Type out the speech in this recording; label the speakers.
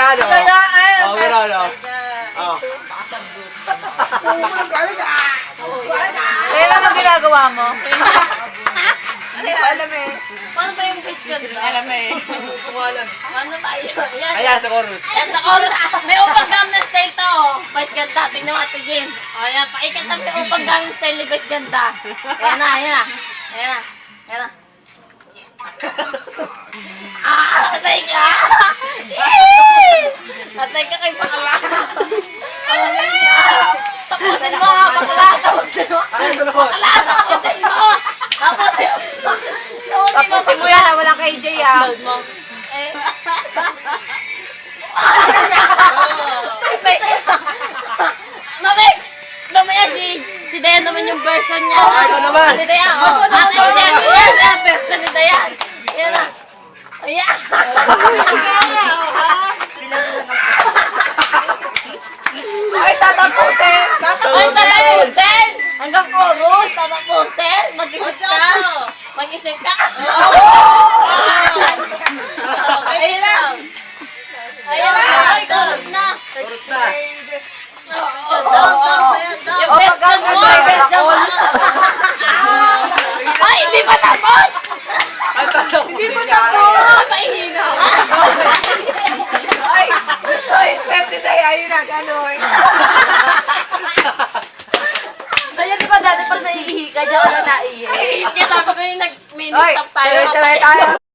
Speaker 1: Gano?
Speaker 2: Kaya,
Speaker 1: Gano? Oh.
Speaker 2: Kaya ano ginagawa mo?
Speaker 3: Alam eh. Paano ba yung pitch ganda?
Speaker 1: Alam na eh.
Speaker 3: Paano ba yun? Yan.
Speaker 1: Ayan, sa chorus.
Speaker 3: Yan sa chorus. May upang Gangnam Style to. Vice ganda. Tingnan mo ito, Jin. O yan. Pakikat na may upang Gangnam Style ni Vice ganda. Ayan na, ayan na. Ayan na. Ayan na. Atay ka! Atay ka kay bakla. Tapusin mo ha, bakla. Tapusin mo. Bakla, tapusin mo. Tapusin mo.
Speaker 2: Tapusin mo yan, wala kay Jay ah.
Speaker 3: Load mo. Eh. Mamik! Mamaya si Dayan naman yung version niya.
Speaker 1: Ikaw naman.
Speaker 3: Si Dayan, oh. Ate, yan ang version ni Dayan. Yan na. Ayan.
Speaker 2: Ay, tatapusin!
Speaker 3: Ay, tatapusin! Hanggang chorus, tatapusin. Mag-isip ka. Mag-isip ka. Ayun na. Ayun na. Ay, chorus na.
Speaker 1: Chorus na.
Speaker 3: Yung version mo, version mo. Ay, hindi pa tapos.
Speaker 1: Hindi pa tapos.
Speaker 3: Paihina.
Speaker 2: Ay, gusto yung step ni Day, ayun na, gano'n.
Speaker 3: Kaya di ba dati pag naiihi ka, diyan ka na naiihi? Ay, kaya tapos kayo nag-mini
Speaker 2: Ay,
Speaker 3: stop tayo.
Speaker 2: sabay tayo.